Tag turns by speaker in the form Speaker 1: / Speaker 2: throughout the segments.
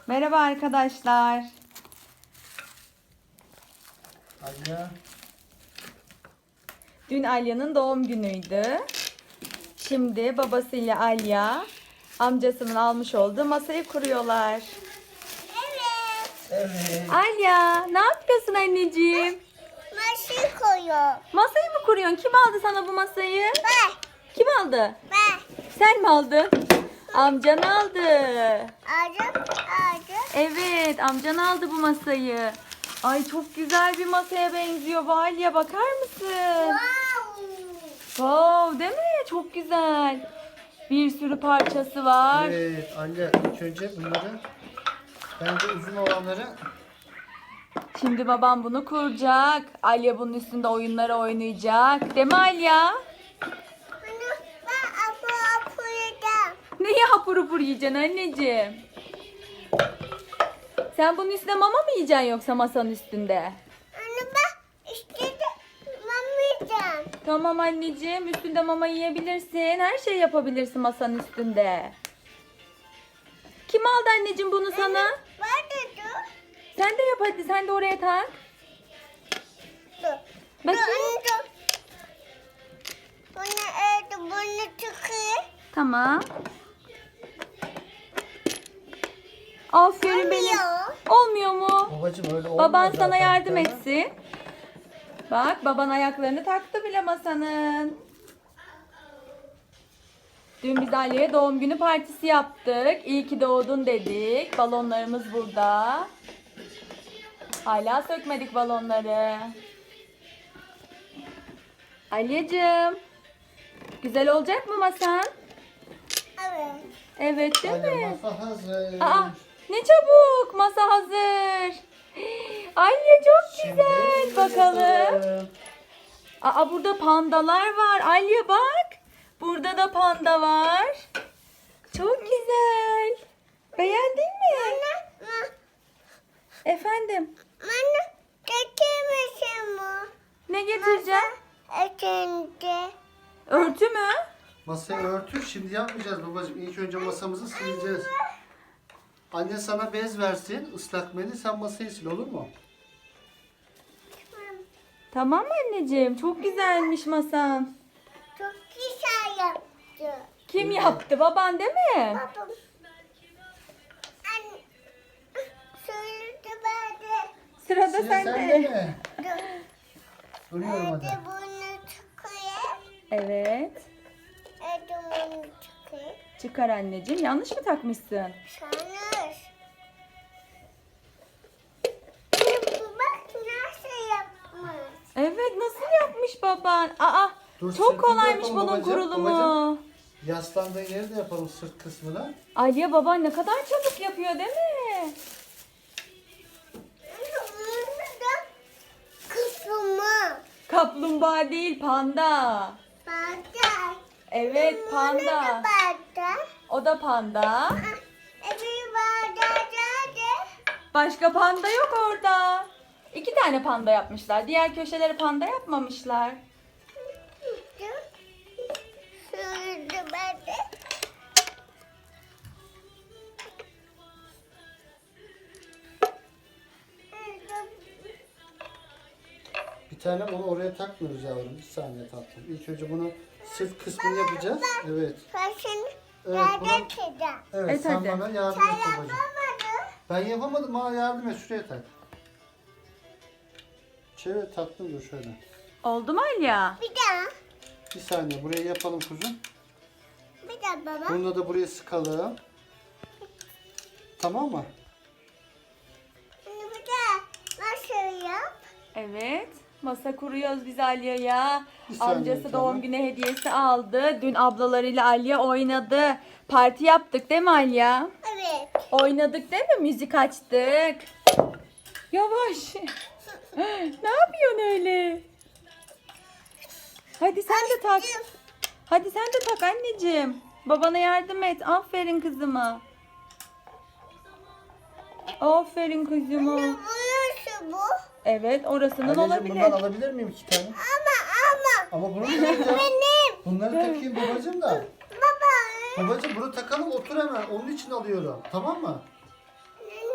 Speaker 1: Merhaba arkadaşlar.
Speaker 2: Alya.
Speaker 1: Dün Alya'nın doğum günüydü. Şimdi babasıyla Alya amcasının almış olduğu masayı kuruyorlar.
Speaker 2: Evet.
Speaker 1: Alya, ne yapıyorsun anneciğim?
Speaker 3: Masayı koyuyor.
Speaker 1: Masayı mı kuruyorsun? Kim aldı sana bu masayı?
Speaker 3: Ben.
Speaker 1: Kim aldı?
Speaker 3: Ben.
Speaker 1: Sen mi aldın? Amcan aldı.
Speaker 3: Aldım.
Speaker 1: Evet, amcan aldı bu masayı. Ay çok güzel bir masaya benziyor. Alya bakar mısın?
Speaker 3: Wow.
Speaker 1: Wow, değil mi? Çok güzel. Bir sürü parçası var.
Speaker 2: Evet Alya, ilk önce bunları bence uzun olanları
Speaker 1: Şimdi babam bunu kuracak. Alya bunun üstünde oyunları oynayacak. Değil mi Alya?
Speaker 3: Ben apu yedim.
Speaker 1: Neyi hapur hapur yiyeceksin anneciğim? Sen bunun üstüne mama mı yiyeceksin yoksa masanın üstünde?
Speaker 3: Anne ben işte mamayacağım.
Speaker 1: Tamam anneciğim, üstünde mama yiyebilirsin. Her şey yapabilirsin masanın üstünde. Kim aldı anneciğim bunu sana?
Speaker 3: Var da dur.
Speaker 1: Sen de yap hadi, sen de oraya tak.
Speaker 3: Dur.
Speaker 1: Bakayım.
Speaker 3: Anne dur. Bunu tıkıyor.
Speaker 1: Tamam. Aferin benim.
Speaker 3: Olmuyor.
Speaker 1: Olmuyor mu?
Speaker 2: babacım öyle olmuyor
Speaker 1: Baban sana
Speaker 2: zaten.
Speaker 1: yardım
Speaker 2: Tamam.
Speaker 1: etsin. Bak baban ayaklarını taktı bile masanın. Dün biz Ali'ye doğum günü partisi yaptık. İyi ki doğdun dedik. Balonlarımız burada. Hala sökmedik balonları. Aliyeciğim. Güzel olacak mı masan?
Speaker 3: Evet.
Speaker 1: Evet değil
Speaker 2: Alya,
Speaker 1: mi?
Speaker 2: masa hazır.
Speaker 1: Aa, ne çabuk. Masa hazır. Aliye çok
Speaker 2: Şimdi
Speaker 1: güzel. Bakalım.
Speaker 2: yapalım.
Speaker 1: Aa, burada pandalar var. Aliye bak. Burada da panda var. Çok güzel. Beğendin mi? Efendim?
Speaker 3: Anne getirmişim bu.
Speaker 1: Ne getireceğim?
Speaker 3: Ekinde.
Speaker 1: Örtü mü?
Speaker 2: Masayı örtür, şimdi yapmayacağız babacım. İlk önce masamızı sileceğiz. Anne sana bez versin, ıslak mendil, sen masayı sil, olur mu?
Speaker 1: Tamam anneciğim. Çok güzelmiş masan.
Speaker 3: Çok güzel yaptı.
Speaker 1: Kim yaptı? Baban değil mi?
Speaker 3: Babam. Anne. Söyledi bana.
Speaker 1: Sırada
Speaker 2: Sıra sende
Speaker 1: sende.
Speaker 2: mi?
Speaker 3: Dur.
Speaker 2: Duruyorum hadi.
Speaker 3: Hadi bunu çıkıyor.
Speaker 1: Evet.
Speaker 3: Hadi bunu çıkıyor.
Speaker 1: Çıkar anneciğim. Yanlış mı takmışsın?
Speaker 3: Sanır. Bak nasıl yapmış.
Speaker 1: Evet. Nasıl yapmış baban? Aa,
Speaker 2: Dur,
Speaker 1: çok
Speaker 2: sırtını
Speaker 1: kolaymış
Speaker 2: yapalım
Speaker 1: bunun
Speaker 2: babacığım,
Speaker 1: kurulumu.
Speaker 2: babacığım. Yaslandığın yeri de yapalım, sırt kısmına.
Speaker 1: Aliye baban ne kadar çabuk yapıyor değil mi?
Speaker 3: Bunu da kısmı.
Speaker 1: Kaplumbağa değil, panda.
Speaker 3: Bardak.
Speaker 1: Evet,
Speaker 3: Bunu da
Speaker 1: panda.
Speaker 3: bardak.
Speaker 1: O da panda.
Speaker 3: Bir bardak da.
Speaker 1: Başka panda yok orada. 2 tane panda yapmışlar. Diğer köşeleri panda yapmamışlar.
Speaker 3: Söyledi bana.
Speaker 2: Bir tane onu oraya takmıyoruz yavrum. Bir saniye tatlım. İlk önce bunu sırt kısmını yapacağız. Evet.
Speaker 3: Başını
Speaker 2: Evet,
Speaker 3: bardak
Speaker 2: bunu-
Speaker 3: edeceğim.
Speaker 2: Evet,
Speaker 1: Evet,
Speaker 2: sen
Speaker 1: hadi.
Speaker 2: bana yardım
Speaker 3: Sen
Speaker 2: et babacığım.
Speaker 3: yapamadın.
Speaker 2: Ben yapamadım, bana yardım et, şuraya tak. Çevir tatlım, dur şöyle.
Speaker 1: Oldu mu Alya?
Speaker 3: Bir daha.
Speaker 2: Bir saniye, burayı yapalım kuzum.
Speaker 3: Bir daha baba.
Speaker 2: Bunu da buraya sıkalım. Tamam mı?
Speaker 3: Şimdi bir daha. Nasıl yap?
Speaker 1: Evet. Masa kuruyoruz biz Alya'ya.
Speaker 2: Bir saniye
Speaker 1: Amcası
Speaker 2: canım.
Speaker 1: doğum günü hediyesi aldı. Dün ablalarıyla Alya oynadı. Parti yaptık değil mi Alya?
Speaker 3: Evet.
Speaker 1: Oynadık değil mi? Müzik açtık. Yavaş. Ne yapıyorsun öyle? Hadi sen de tak. Hadi sen de tak anneciğim. Babana yardım et. Aferin kızıma. Aferin kızıma.
Speaker 3: Burası bu.
Speaker 1: Evet, orasının
Speaker 2: Anneciğim,
Speaker 1: olabilir.
Speaker 2: bundan alabilir miyim 2 tane? Ama bunu ne yapacağım?
Speaker 3: Benim.
Speaker 2: Bunları takayım babacığım da.
Speaker 3: Baba.
Speaker 2: Babacığım bunu takalım, otur hemen. Onun için alıyorum. Tamam mı?
Speaker 3: Ne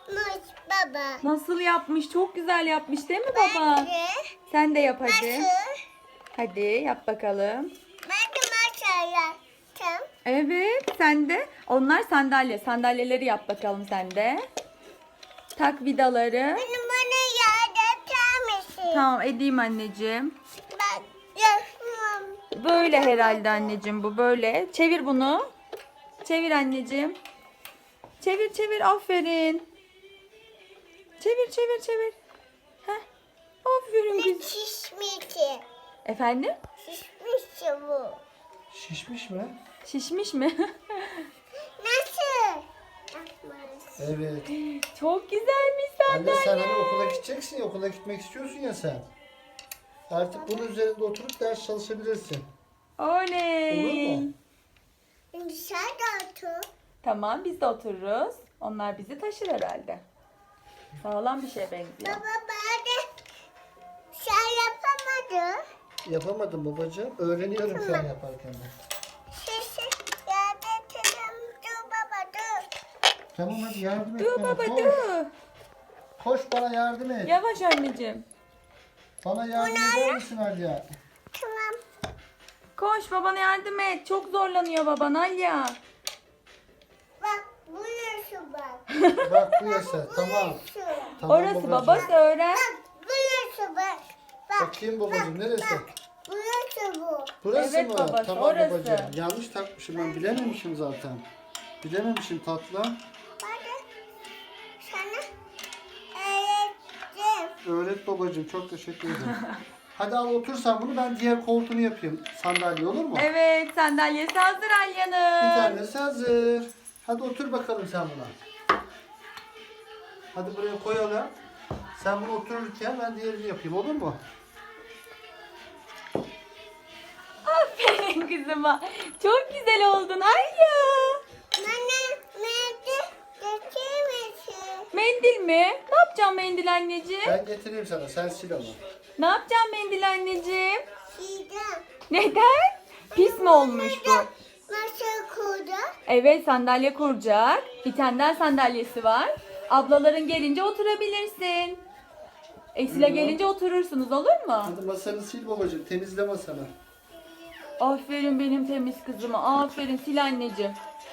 Speaker 3: baba.
Speaker 1: Nasıl yapmış? Çok güzel yapmış değil mi baba?
Speaker 3: Ben de
Speaker 1: Sen de yap hadi.
Speaker 3: nasıl?
Speaker 1: Hadi yap bakalım.
Speaker 3: Ben de masal yaptım.
Speaker 1: Evet sen de. Onlar sandalye. Sandalyeleri yap bakalım sen de. Tak vidaları.
Speaker 3: Bana yardım eder misin?
Speaker 1: Tamam edeyim anneciğim.
Speaker 3: Ben yapmam.
Speaker 1: Böyle herhalde anneciğim bu böyle. Çevir bunu. Çevir anneciğim. Çevir çevir aferin. Çevir çevir çevir. Heh. Aferin
Speaker 3: Ne
Speaker 1: güzel.
Speaker 3: şişmişti?
Speaker 1: Efendim?
Speaker 3: Şişmişti bu.
Speaker 2: Şişmiş mi?
Speaker 1: Şişmiş mi?
Speaker 3: Nasıl? Yapmaz.
Speaker 2: Evet.
Speaker 1: Çok güzelmiş
Speaker 2: Anne sen
Speaker 1: sandalye.
Speaker 2: hani okula gideceksin ya, okula gitmek istiyorsun ya sen. Artık bunun üzerinde oturup ders çalışabilirsin.
Speaker 1: Oley.
Speaker 2: Olur mu?
Speaker 3: Şimdi sen de otur.
Speaker 1: Tamam biz de otururuz. Onlar bizi taşır herhalde. Sağlam bir şeye benziyor.
Speaker 3: Baba ben de sen yapamadın.
Speaker 2: Yapamadım babacığım. Öğreniyorum şu an yaparken de.
Speaker 3: Şişi yardım edelim. Dur baba dur.
Speaker 2: Tamam hadi yardım et
Speaker 1: Dur
Speaker 2: bana.
Speaker 1: baba
Speaker 2: Koş.
Speaker 1: dur.
Speaker 2: Koş bana yardım et.
Speaker 1: Yavaş anneciğim.
Speaker 2: Bana yardım eder misin Alya?
Speaker 3: Tamam.
Speaker 1: Koş babana yardım et. Çok zorlanıyor baban Alya.
Speaker 3: Bak buyursun bak.
Speaker 2: Bak bu yasak. Tamam.
Speaker 3: Şu.
Speaker 2: Tamam
Speaker 1: Orası
Speaker 2: babacığım.
Speaker 1: babası öğren.
Speaker 3: Bak buyursun bak. Bak.
Speaker 2: Bakayım babacığım neresi?
Speaker 3: Buyursun bu.
Speaker 2: Burası
Speaker 1: Evet
Speaker 2: mı?
Speaker 1: babası,
Speaker 2: Tamam
Speaker 1: orası.
Speaker 2: babacığım. Yanlış takmışım ben. Bilememişim zaten. Bilememişim tatlım.
Speaker 3: Ben de sana öğrettim.
Speaker 2: Öğret babacığım. Çok teşekkür ederim. Hadi al otur sen bunu. Ben diğer koltuğunu yapayım. Sandalye olur mu?
Speaker 1: Evet sandalyesi hazır
Speaker 2: Bir
Speaker 1: Alya'nın.
Speaker 2: tanesi hazır. Hadi otur bakalım sen buna. Hadi buraya koyalım. Sen bunu otururken ben diğerini yapayım olur mu?
Speaker 1: Aferin kızıma. Çok güzel oldun Alya.
Speaker 3: Bana nerede getirmesin.
Speaker 1: Mendil mi? Ne yapacağım mendil anneciğim?
Speaker 2: Ben getireyim sana. Sen sil onu.
Speaker 1: Ne yapacağım mendil anneciğim?
Speaker 3: Şuradan.
Speaker 1: Neden? Pis mi olmuş bu?
Speaker 3: Nasıl kurdu?
Speaker 1: Evet sandalye kuracak. Bir tane daha sandalyesi var. Ablaların gelince oturabilirsin. Esile
Speaker 2: Hı.
Speaker 1: gelince oturursunuz olur mu?
Speaker 2: Hadi masanı sil babacığım. Temizle masanı.
Speaker 1: Aferin benim temiz kızıma. Aferin sil anneciğim.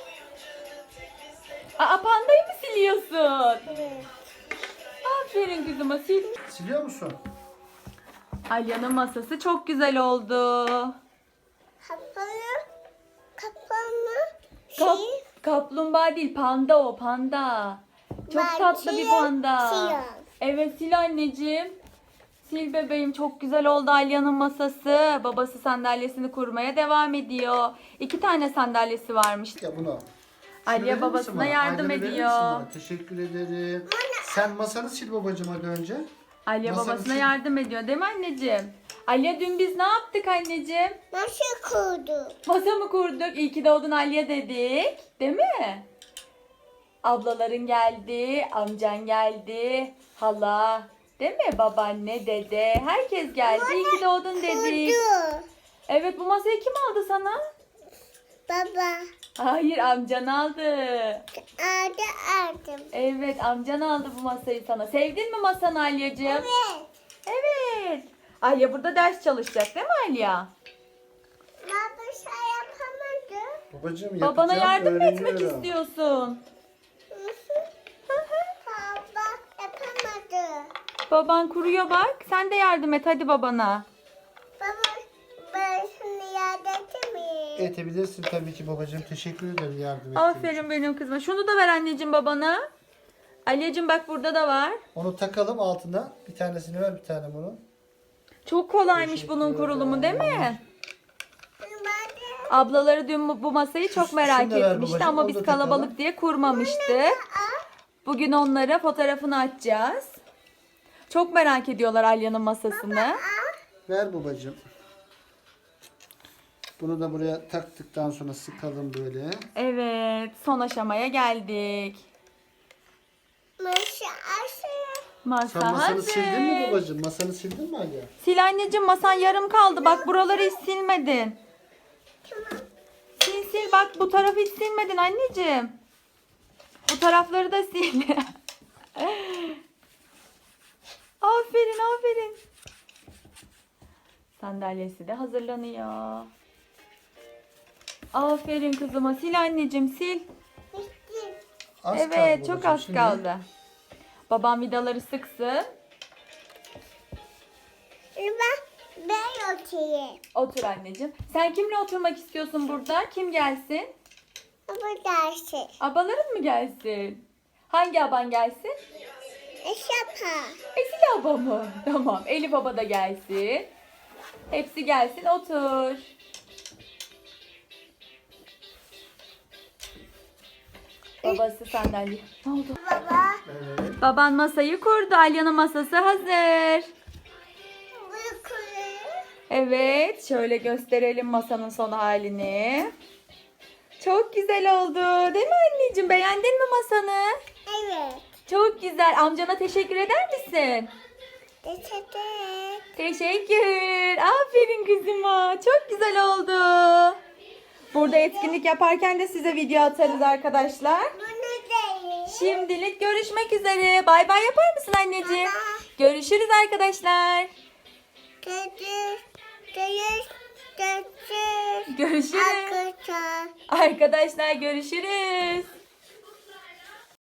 Speaker 1: Aa pandayı mı siliyorsun?
Speaker 3: Evet.
Speaker 1: Aferin kızıma sil.
Speaker 2: Siliyor musun?
Speaker 1: Alya'nın masası çok güzel oldu.
Speaker 3: Kapalı. Kapalı.
Speaker 1: Kap, kaplumbağa değil panda o panda. Çok
Speaker 3: Ben
Speaker 1: tatlı bir
Speaker 3: siyah,
Speaker 1: panda.
Speaker 3: siyah.
Speaker 1: Evet sil anneciğim. Sil bebeğim çok güzel oldu Alya'nın masası. Babası sandalyesini kurmaya devam ediyor. 2 tane sandalyesi varmış.
Speaker 2: Ya bunu.
Speaker 1: Alya
Speaker 2: Şunu verir misin
Speaker 1: babasına
Speaker 2: bana?
Speaker 1: yardım
Speaker 2: Alya'nı verir
Speaker 1: ediyor.
Speaker 2: misin bana? Teşekkür ederim. Sen masanı sil babacığım hadi önce.
Speaker 1: Alya
Speaker 2: Masanı
Speaker 1: babasına
Speaker 2: sil.
Speaker 1: yardım ediyor değil mi anneciğim? Alya dün biz ne yaptık anneciğim?
Speaker 3: Nasıl kurdu?
Speaker 1: Masa mı kurduk? İyi ki doğdun Alya dedik. Değil mi? Ablaların geldi, amcan geldi, hala, değil mi? Babaanne, dede, herkes geldi. İyi ki doğdun dedik.
Speaker 3: Kurdu.
Speaker 1: Evet bu masayı kim aldı sana?
Speaker 3: Baba.
Speaker 1: Hayır amcan aldı.
Speaker 3: Aldım.
Speaker 1: Evet amcan aldı bu masayı sana. Sevdin mi masanı Alyacığım?
Speaker 3: Evet.
Speaker 1: Evet. Alya burada ders çalışacak değil mi Alya?
Speaker 3: Baba sen yapamadın.
Speaker 2: Babacığım yapacağım.
Speaker 1: Babana yardım mı etmek
Speaker 2: öğreniyorum.
Speaker 1: istiyorsun?
Speaker 3: Baba yapamadı.
Speaker 1: Baban kuruyor bak. Sen de yardım et hadi babana.
Speaker 3: Baba ben şimdi yardım miyim?
Speaker 2: Edebilirsin tabii ki babacığım. Teşekkür ederim yardım ettiğin için.
Speaker 1: Aferin benim kızıma. Şunu da ver anneciğim babana. Alyacığım bak burada da var.
Speaker 2: Onu takalım altına. Bir tanesini ver, bir tane bunu.
Speaker 1: Çok kolaymış
Speaker 2: Teşekkür
Speaker 1: bunun kurulumu değil mi?
Speaker 2: ederim.
Speaker 1: Ablaları dün bu masayı çok merak
Speaker 2: şunu da ver
Speaker 1: etmişti
Speaker 2: babacığım,
Speaker 1: ama
Speaker 2: onu
Speaker 1: biz
Speaker 2: da
Speaker 1: kalabalık
Speaker 2: takalım.
Speaker 1: diye kurmamıştık. Bugün onlara fotoğrafını açacağız. Çok merak ediyorlar Alya'nın masasını.
Speaker 2: Ver babacığım. Bunu da buraya taktıktan sonra sıkalım böyle.
Speaker 1: Evet, son aşamaya geldik. Masa
Speaker 2: Sen masanı
Speaker 1: hazır.
Speaker 2: sildin mi babacığım? Masanı sildin mi Alya?
Speaker 1: Sil anneciğim masan yarım kaldı. Bak buraları hiç silmedin. Sil sil bak bu tarafı hiç silmedin anneciğim. Bu tarafları da sil. Aferin aferin. Sandalyesi de hazırlanıyor. Aferin kızıma. Sil anneciğim sil.
Speaker 3: Bitti.
Speaker 2: Az kaldı
Speaker 1: Evet çok
Speaker 2: babacığım.
Speaker 1: az
Speaker 2: Şimdi
Speaker 1: kaldı. Babam vidaları sıksın.
Speaker 3: Ben oturayım.
Speaker 1: Otur anneciğim. Sen kimle oturmak istiyorsun burada? Kim gelsin?
Speaker 3: Bu dersi.
Speaker 1: Abaların mı gelsin? Hangi aban gelsin?
Speaker 3: Şapa.
Speaker 1: Esil abla mı? Tamam. Elif baba da gelsin. Hepsi gelsin otur. Babası sandalye. Ne oldu?
Speaker 3: Baba.
Speaker 2: evet.
Speaker 1: Baban masayı kurdu. Alya'nın masası hazır.
Speaker 3: Bu kuru.
Speaker 1: Evet. Şöyle gösterelim masanın son halini. Çok güzel oldu. Değil mi anneciğim? Beğendin mi masanı?
Speaker 3: Evet.
Speaker 1: Çok güzel. Amcana teşekkür eder misin?
Speaker 3: Teşekkür.
Speaker 1: Teşekkür. Aferin kızıma. Çok güzel oldu. Burada etkinlik yaparken de size video atarız arkadaşlar.
Speaker 3: Bunu değil.
Speaker 1: Şimdilik görüşmek üzere. Bay bay yapar mısın anneciğim?
Speaker 3: Baba.
Speaker 1: Görüşürüz arkadaşlar.
Speaker 3: Görüş. Görüş. Görüş.
Speaker 1: Görüşürüz.
Speaker 3: Arkadaşlar.
Speaker 1: Arkadaşlar görüşürüz.